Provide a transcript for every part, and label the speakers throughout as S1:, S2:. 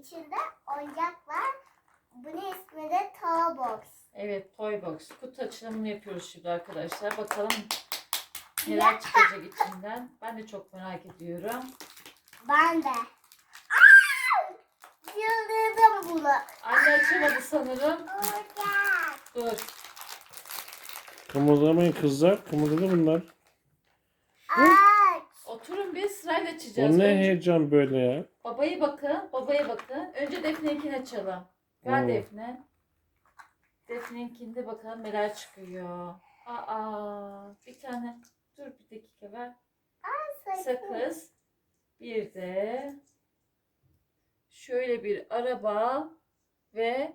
S1: içinde oyuncak var. Bunun ismi de Toy Box.
S2: Evet, Toy Box. Kutu açılımını yapıyoruz şimdi arkadaşlar. Bakalım neler çıkacak içinden. Ben de çok merak ediyorum.
S1: Ben de. Yıldırdım bunu.
S2: Anne açamadı sanırım.
S1: Oyuncak.
S2: Dur.
S3: Kımıldamayın kızlar. Kımıldadı bunlar.
S1: Aç.
S2: Oturun bir sırayla açacağız.
S3: O ne
S2: Önce
S3: heyecan böyle ya.
S2: babaya bakın. Babaya bakın. Önce Defne'ninkini açalım. Ver Defne. Defne'ninkinde de bakalım neler çıkıyor. Aa, bir tane. Dur bir dakika ver. Sakız. Bir de şöyle bir araba ve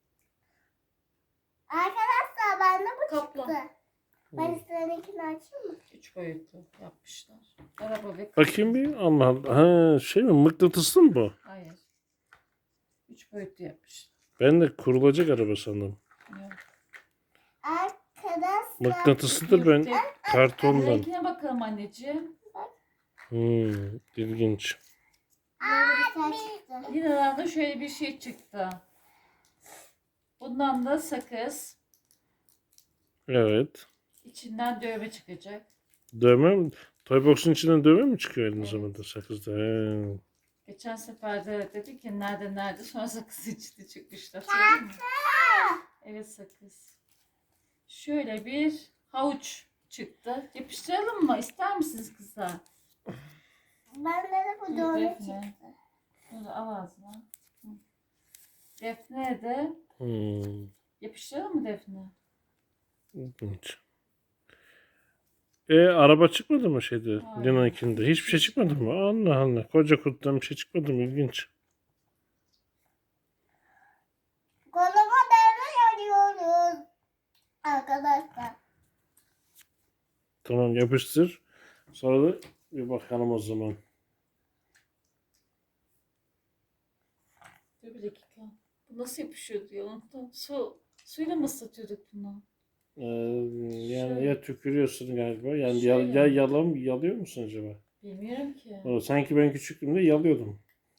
S1: Arkadaşlar bende bu
S2: kaplan.
S1: çıktı. Ben üstlerindekini açayım mı?
S2: 3 boyutlu yapmışlar. Araba ve
S3: Bakayım bir. Allah Allah. Ha, şey mi? Mıknatıslı mı bu?
S2: Hayır. 3 boyutlu yapmışlar.
S3: Ben de kurulacak araba sandım.
S2: Yok.
S1: Arkadaşlar.
S3: Mıknatıslıdır ben. Kartondan.
S2: Renkine bakalım anneciğim.
S3: İlginç.
S1: Böyle bir şey çıktı.
S2: Lina'dan da şöyle bir şey çıktı. Bundan da sakız.
S3: Evet.
S2: İçinden dövme çıkacak.
S3: Dövme mi? Toybox'un içinden dövme mi çıkıyor aynı
S2: Evet.
S3: zamanda sakızda? He.
S2: Geçen sefer de dedik ki nerede sonra sakız içinde çıkmışlar. Söyleyeyim mi? Evet sakız. Şöyle bir havuç çıktı. Yapıştıralım mı? İster misiniz kızlar?
S1: Bende de bu
S2: Dur,
S1: dövme
S2: Defne.
S1: çıktı.
S2: Bunu al ağzına. Hı. Defne de yapıştıralım mı Defne?
S3: İlginç. Araba çıkmadı mı şeyde?
S2: Hayır.
S3: Lina'nkinde. Hiçbir şey çıkmadı mı? Allah Allah. Koca kutudan bir şey çıkmadı mı? İlginç.
S1: Koluma dövme arıyoruz. Arkadaşlar.
S3: Tamam yapıştır. Sonra da bir bakalım o zaman.
S2: Dur bir dakika. Bu nasıl yapışıyordu ya? Unuttum. Suyla mı ıslatıyorduk bunu?
S3: Yani
S2: Şöyle.
S3: ya tükürüyorsun galiba. Yani
S2: Şöyle.
S3: yalıyor musun acaba?
S2: Bilmiyorum ki.
S3: Sanki ben küçüklüğümde yalıyordum.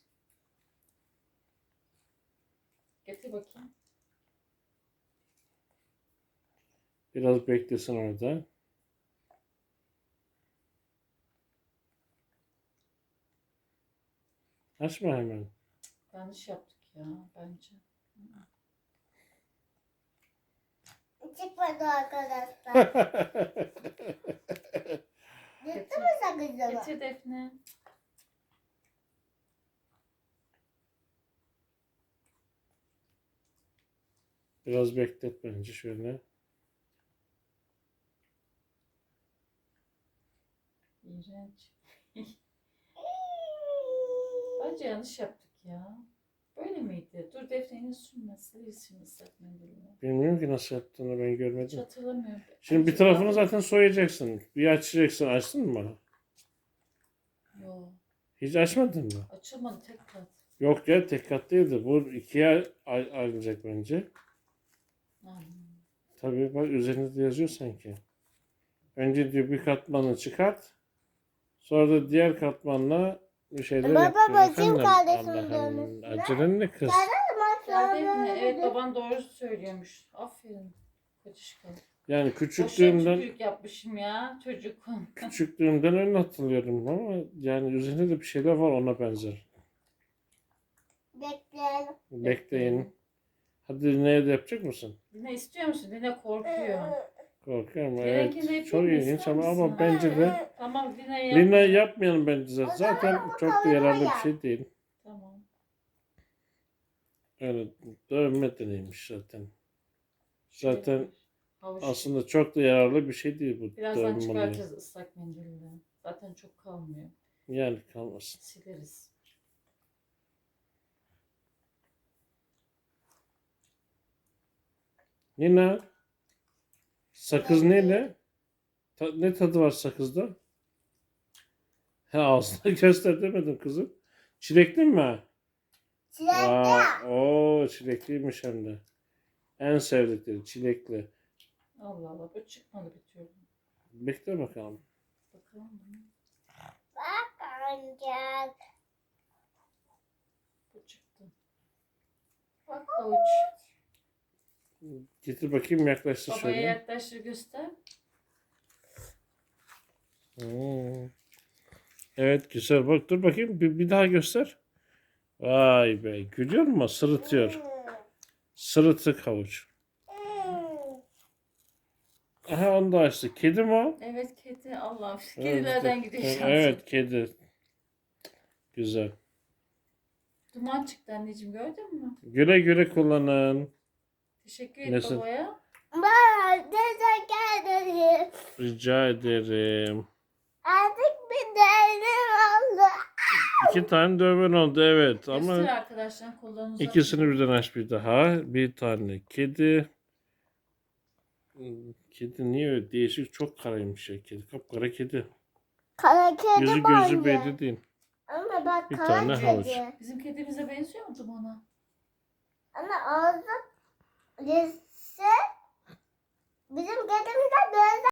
S2: Getir bakayım.
S3: Biraz beklesin orada. Açma hemen.
S2: Yanlış yaptık ya bence.
S1: Çıkmadı arkadaşlar. Gitti mi sakızımı?
S2: Getir Defne.
S3: Biraz beklet bence şöyle.
S2: İğrenç. Bence yanlış yaptık ya. Böyle miydi? Dur Defne'nin sürmesi. Silsin ıslak mendille.
S3: Bilmiyorum ki nasıl yaptığını ben
S2: Hiç
S3: görmedim.
S2: hatırlamıyorum.
S3: Şimdi bir
S2: Acaba-
S3: tarafını zaten soyacaksın. Bir açacaksın. Açtın mı?
S2: Yok.
S3: Hiç açmadın mı?
S2: Açılmadı tek kat.
S3: Yok ya tek kat değildi. Bu ikiye ayrılacak bence.
S2: Hmm.
S3: Tabii bak üzerinde de yazıyor sanki. Önce diyor bir katmanı çıkart. Sonra da diğer katmanla bir şeyler
S1: Baba,
S3: yap diyor.
S1: bakayım
S3: Efendim,
S1: kardeşimin
S3: Allah'ım,
S1: dövmesine.
S3: acelen ne kız?
S2: Ya Defne, evet baban doğru söylüyormuş. Aferin. Kocişka.
S3: Yani
S2: Boşuna
S3: küçüklüğümden
S2: tükürük yapmışım ya çocuk.
S3: küçüklüğümden öyle hatırlıyorum ama yani üzerinde de bir şeyler var ona benzer.
S1: Bekleyelim.
S3: Bekleyin. Hadi ne de yapacak mısın?
S2: Dine istiyor musun? Dine korkuyor.
S3: Korkuyorum.
S2: Benimkini de
S3: Evet.
S2: yapayım
S3: Çok
S2: mı?
S3: ilginç
S2: İster
S3: ama
S2: misin?
S3: bence de
S2: Tamam Dine yap.
S3: Lina yapmayalım bence zaten. Zaten çok da yararlı bir şey değil.
S2: Tamam.
S3: Öyle dövme de neymiş zaten. Zaten
S2: Havuç.
S3: aslında çok da yararlı bir şey değil bu
S2: Birazdan
S3: dövme olayı.
S2: çıkartacağız ıslak mendille. Zaten çok kalmıyor.
S3: Yani kalmasın.
S2: Sileriz.
S3: Nina, sakız neyle? Ne tadı var sakızda? He ağzına göster demedim kızım. Çilekli mi?
S1: Çilekli.
S3: Oo çilekliymiş hem de. En sevdikleri çilekli.
S2: Allah Allah bu çıkmadı bir türlü.
S3: Bekle bakalım.
S2: Bakalım mı?
S1: Bak oyuncak.
S2: Bu çıktı. Bak havuç.
S3: Getir bakayım, yaklaştır
S2: Babaya
S3: şöyle.
S2: yaklaştır göster.
S3: Hmm. Evet, güzel. Bak, dur bakayım, bir daha göster. Vay be, görüyor musun? Sırıtıyor. Sırıtık havuç. Aha, onu da açtı. Kedi mi o?
S2: Evet kedi. Allah'ım.
S3: Evet,
S2: Kedilerden gidiyor şansım.
S3: evet, kedi. Güzel.
S2: Duman çıktı anneciğim gördün mü?
S3: Güle güle kullanın.
S2: Teşekkür et
S3: Nasıl?
S2: babaya.
S1: Bana teşekkür ederim.
S3: Rica ederim.
S1: Artık bir değerim oldu.
S3: 2 tane dövmen oldu, evet,
S2: Göster
S3: ama
S2: arkadaşlar kollarını uzatın.
S3: ikisini birden aç bir daha. Bir tane kedi. Kedi niye öyle değişik, çok karaymış ya kedi. Kapkara kedi.
S1: Kara kedi
S3: Gözü
S1: bence.
S3: belli değil.
S1: Ama bak
S3: Bir
S1: kara
S3: tane
S1: kedi.
S3: havuç.
S2: Bizim kedimize benziyor mu Duman'a?
S1: Ama ağzı lise bizim kedimiz de böyle